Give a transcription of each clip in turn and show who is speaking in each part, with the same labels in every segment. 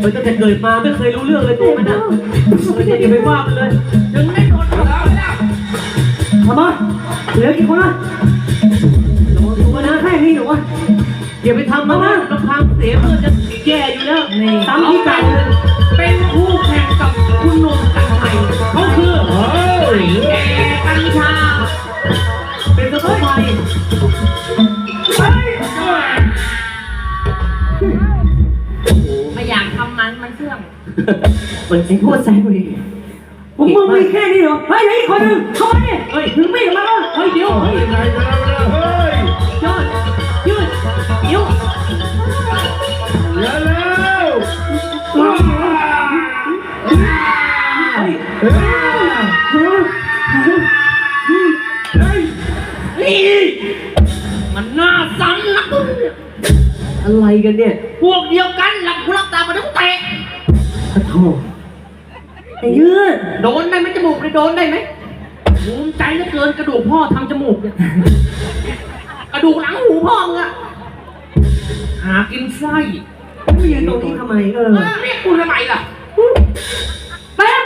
Speaker 1: มันตั้งแต่เกิดมาไม่เคยรู้เรื่องเลยตัวมันอ่ะอย่าไปว่ามันเลยยังไม่โดนเราไม่ได้ทำไมเหลือกี่คนอ่ะตัวนะแค่นี้หรอวะอย่าไปทำมันนะลำพังเสียเพื่อจะแย่อยู่แล้วตามที่กันเป็นคู่แข่งกับคุณนนท์กันใหม่เขาคือแก่กัญชาเป็นตัวใหม่
Speaker 2: ไม่อยากทำมันเสื่อม
Speaker 1: มันไอ้พวกแซงเลยมึงมีแค่นี้เหรอเฮ้ยไอ้คนนึงเข้ามาดิเฮ้ยถึงไม่มาแล้วเฮ้ยเดี๋ยวเฮ้ยยอดยืดเดี๋ยว
Speaker 3: แล้ว
Speaker 2: มันน่าซ้ำนะ
Speaker 1: อะไรกันเนี่ย
Speaker 2: พวกเดียวกันหลับหูหลับตามาต้องเตะ
Speaker 1: โธ่ไอ้ยืด
Speaker 2: โดนได้ไหมจมูกเลยโดนได้ไหมภูมิใจเหลือเกินกระดูกพ่อทำจมูกเนี่ยกระดูกหลังหูพ่อมึงอะหากินไส้
Speaker 1: ไม่ยืนตรงนี้ทำไม
Speaker 2: เรียกกูทำไมล่ะ
Speaker 1: แป๊บ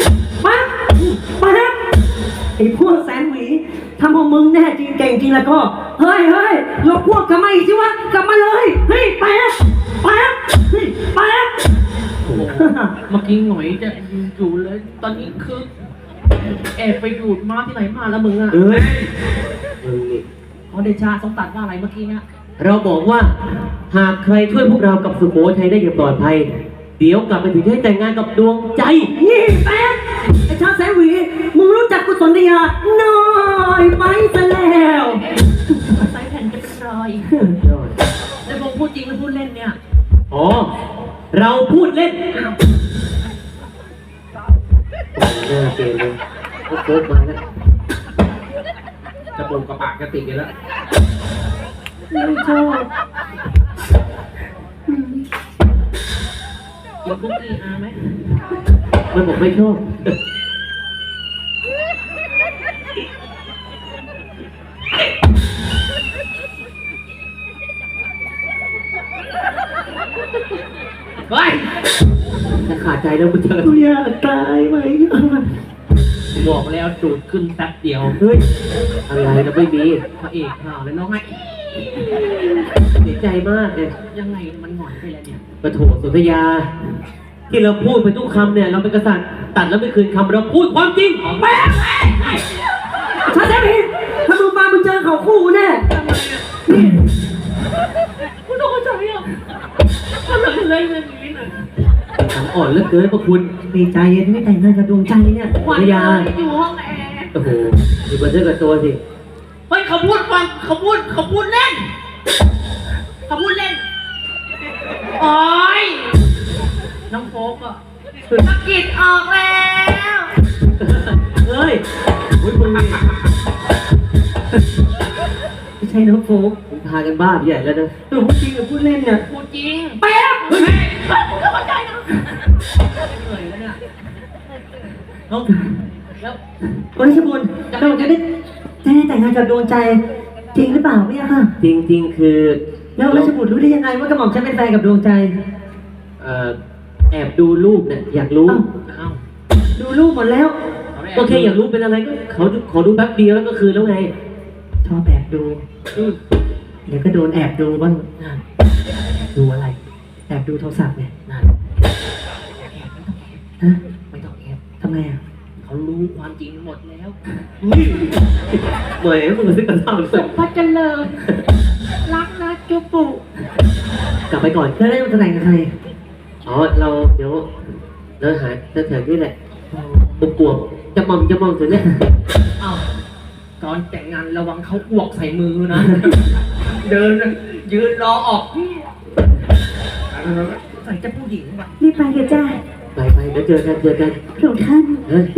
Speaker 1: ไอ้พวกแสนหวีทำพวกมึงแน่จริงเก่งจริงแล้วก็เฮ้ยเราพวกกลับมาอีกสิวะกลับมาเลยเฮ้ยแป๊บเ
Speaker 2: มื่อกี้หน่อยจะอยู่เลยตอนนี้คือแอบไปดูดมาที่ไหนมาแล้วมึงอะเขาเดชาสงตัดว่าอะไรเมื่อกี้เนี่ย
Speaker 1: เราบอกว่าหากใครช่วยพวกเรากับสุโขทัยได้อย่างปลอดภัยเดี๋ยวกลับไปถึงให้แต่งงานกับดวงใจนี่แป๊บไอ้ชาแสนหวีมึงรู้จักกุศลยาน้อยไปซะแล้ว
Speaker 2: ใส่แผ่นจะเป็นรอยแล้วมึงพูดจริงหรือพูดเล่นเนี่ย
Speaker 1: อ๋อเราพูดเล่นเลิกเกมเลยโค้กมาแล้ว
Speaker 3: จะปูกระปากกระติกกันแล้ว
Speaker 1: ไม่ชอบ
Speaker 2: กินคุกกี้ไหม
Speaker 1: มันบอกไม่ชอบ
Speaker 2: เฮ้ย
Speaker 1: จะขาดใจแล้วมึงเจออยากตายไหม
Speaker 2: บอกแล้วจูดขึ้นแป๊บเดียว
Speaker 1: เฮ้ยอะไรนะไม่มี
Speaker 2: พระเอกข่าวแล้วน้องไง
Speaker 1: เสียใจมากเนี่ย
Speaker 2: ยังไงมันหงอยไปแล้วเนี่ย
Speaker 1: ปะโถสุธยาที่เราพูดไปทุกคำเนี่ยเราเป็นกษัตริย์ตัดแล้วไม่คืนคำเราพูดความจริงแม่ชาแสนหวีถ้ามึงมามึงเจอเขาคู่แน่นี่
Speaker 2: คุณต้องเข้าใจอ่ะทำอะไรแบบนี้หน่อย
Speaker 1: อ่อนเหลือเกินพระคุณดีใจที่แต่งงานกับดวงใจเนี่ย
Speaker 2: สุธยาอยู่ห้องแอร์
Speaker 1: โอ้โหอยู่บนเสื้อกับตัวสิ
Speaker 2: เฮ้ยเขาพูดฟังเขาพูดเล่นโอ้ยน้องโฟกอะสะกิดออกแล้ว
Speaker 1: เฮ้ยมึงไม่ใช่น้องโฟกพากันบ้าใหญ่แล้วนะพูดจริงหรือพูดเล่นเนี่ย
Speaker 2: พูดจริงแป๊บเฮ้ยมึงเข้าใจนะเหนื่อยแล้วเนี่ยแล้ว
Speaker 1: ราชบุญเราจะได้แต่งงานกับดวงใจจริงหรือเปล่าเนี่ยค่ะจริงคือแล้วราชบุตรรู้ได้ยังไงว่ากระหม่อมฉันเป็นแฟนกับดวงใจแอบดูรูปเนี่ยอยากรู้ดูรูปหมดแล้วก็แค่อยากรู้เป็นอะไรก็เขาขอดูแป๊บเดียวแล้วก็คือแล้วไงชอบแอบดูเดี๋ยวก็โดนแอบดูบ้างดูอะไรแอบดูโทรศัพท์เนี่ย
Speaker 2: ไม่ต้องแอบ
Speaker 1: ทำไมอ่ะ
Speaker 2: เขารู้ความจริงหมดแล้ว
Speaker 1: เหมือนมึงซื้อกระเป๋า
Speaker 2: สุภาพเจริญรักนะจุปุ
Speaker 1: กลับไปก่อนแล้วได้จะแต่งกับใครอ๋อเราเดี๋ยวเราหาแถวๆนี่แหละบวกจะมองถึงเนี่ย
Speaker 2: อ้าวตอนแต่งงานระวังเขาอ้วกใส่มือนะเดินยืนรอออกใส่จะผู้หญิงป่ะ
Speaker 4: รีบไปเถอะจ้า
Speaker 1: ไปเดี๋ยวเจอกัน
Speaker 4: พระองค์ท่าน